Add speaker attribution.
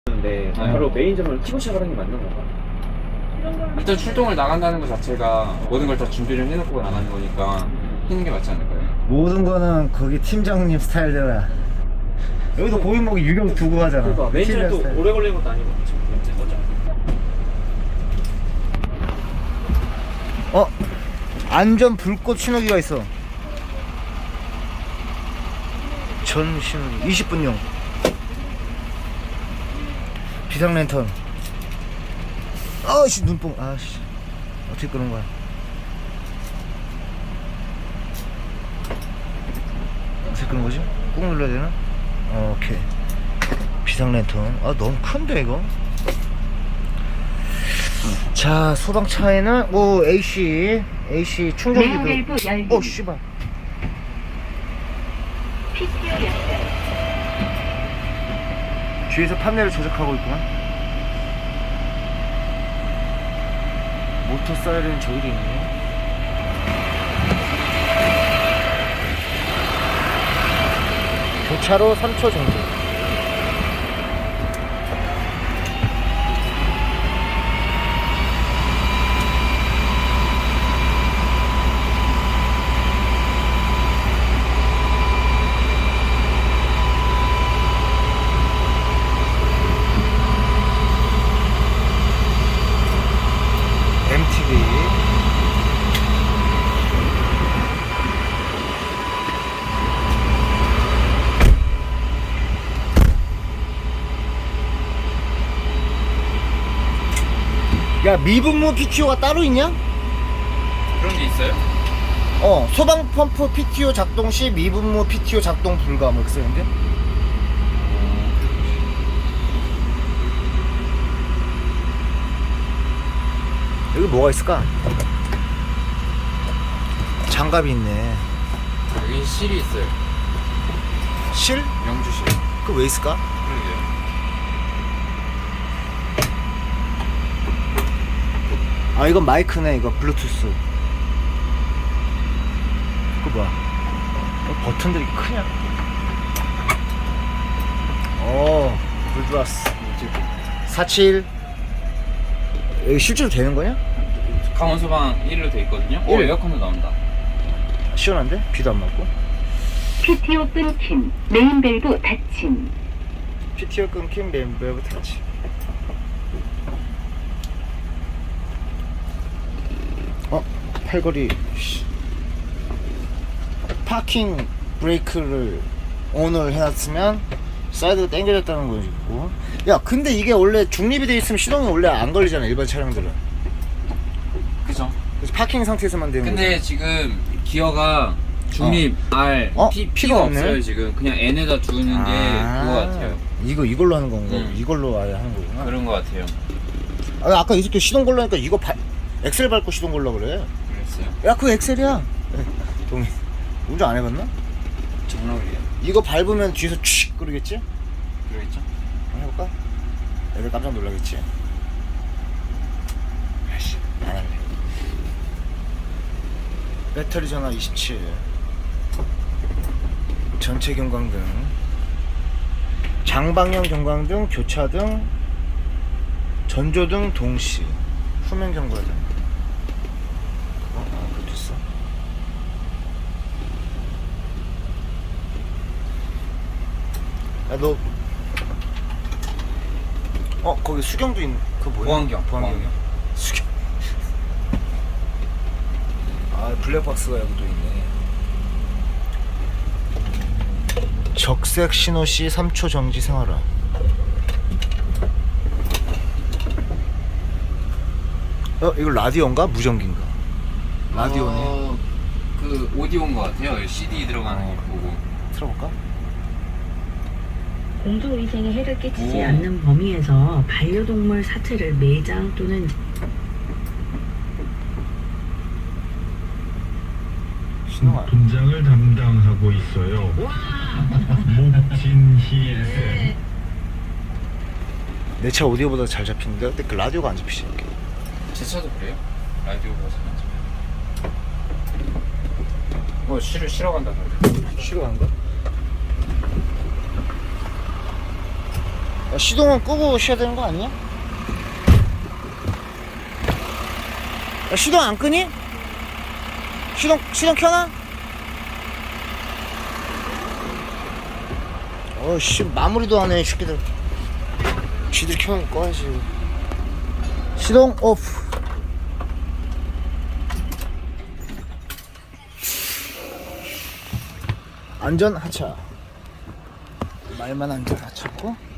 Speaker 1: 데 바로 메인점을 키고 시작하는 게 맞는 건가?
Speaker 2: 일단 출동을 나간다는 것 자체가 모든 걸 다 준비를 해놓고 나가는 거니까 하는 게 맞지 않을까요?
Speaker 3: 모든 거는 거기 팀장님 스타일대로. 여기도 고객목이 유격 두고 하잖아.
Speaker 1: 그러니까 메인점이 또
Speaker 3: 스타일.
Speaker 1: 오래 걸리는 것도 아니고 지금 거죠.
Speaker 3: 안전 불꽃 신호기가 있어. 전 신호기 20분용 비상 랜턴. 아씨 눈뽕. 아씨 어떻게 끄는 거야? 어떻게 끄는 거지? 꾹 눌러야 되나? 오케이. 비상 랜턴. 아 너무 큰데 이거. 자 소방차에는 오 AC 충전기도.
Speaker 4: 내부 열기.
Speaker 3: 오 씨발.
Speaker 4: PTO 연결.
Speaker 3: 뒤에서 판넬을 조작하고 있구만. 모터 사이렌 저기도 있네. 교차로 3초 정도. MTV. 야 미분무 PTO가 따로 있냐?
Speaker 2: 그런 게 있어요?
Speaker 3: 소방 펌프 PTO 작동 시 미분무 PTO 작동 불가 뭐 이렇게 쓰는데? 여기 뭐가 있을까? 장갑이 있네.
Speaker 2: 여기 실이 있어요.
Speaker 3: 실?
Speaker 2: 영주실.
Speaker 3: 그 왜 있을까?
Speaker 2: 그러게요.
Speaker 3: 아 이건 마이크네. 이거 블루투스. 그거 뭐야? 버튼들이 크냐? 불 들어왔어. 47. 여기 실제로 되는 거냐?
Speaker 2: 강원 소방 1로 돼 있거든요. 오,
Speaker 3: 일.
Speaker 2: 에어컨도 나온다.
Speaker 3: 시원한데? 비도 안 맞고.
Speaker 4: PTO 끊김. 메인 밸브 닫힘.
Speaker 3: PTO 끊김 멤버부 터치. 팔걸이. 파킹 브레이크를 온을 해놨으면 사이드가 당겨졌다는 거고. 야 근데 이게 원래 중립이 돼 있으면 시동이 원래 안 걸리잖아 일반 차량들은.
Speaker 2: 그죠?
Speaker 3: 그래서 파킹 상태에서만 되는
Speaker 2: 근데
Speaker 3: 거지.
Speaker 2: 지금 기어가 중립 R
Speaker 3: P가
Speaker 2: P가
Speaker 3: 없네.
Speaker 2: 없어요 지금. 그냥 N에다 두는 게 그거 같아요.
Speaker 3: 이걸로 하는 건가? 이걸로 아예 하는 거구나.
Speaker 2: 그런 거 같아요.
Speaker 3: 아까 이 새끼 시동 걸려니까 이거 엑셀 밟고 시동 걸려 그래.
Speaker 2: 그랬어요.
Speaker 3: 야 그거 엑셀이야. 동이 운전 안 해봤나?
Speaker 2: 장난이에요.
Speaker 3: 이거 밟으면 뒤에서 칙 그러겠지?
Speaker 2: 그러겠죠?
Speaker 3: 한번 해볼까? 애들 깜짝 놀라겠지? 아이씨 안 할래. 배터리 전화 27. 전체 경광등, 장방향 경광등, 교차등, 전조등 동시, 후면 경과등. 그것도 있어. 야 너 거기 수경도 있는 그 뭐야?
Speaker 2: 보안경.
Speaker 3: 보안경이야? 수경. 블랙박스가 여기 또 있네. 적색 신호 시 3초 정지 생활화. 이거 라디오인가? 무전기인가? 라디오네.
Speaker 2: 그 오디오인 것 같아요. CD 들어가는 거 보고.
Speaker 3: 틀어볼까?
Speaker 5: 공중위생에 해를 끼치지
Speaker 2: 오.
Speaker 5: 않는 범위에서 반려동물 사체를 매장 또는
Speaker 3: 신호가
Speaker 6: 분장을 담당하고 있어요. 목진희 쌤.
Speaker 3: 내 차 오디오보다 잘 잡히는데 근데 그 라디오가 안 잡히지 이렇게.
Speaker 2: 제 차도 그래요? 라디오가 잘 안 쉬러 간다 그래.
Speaker 3: 쉬러 가는 거야? 야, 시동은 끄고 쉬어야 되는 거 아니야? 야, 시동 안 끄니? 시동 켜놔? 어씨 마무리도 안 해 이 새끼들. 지들 켜면 꺼야지. 시동 오프. 안전 하차. 말만 안전 하차고.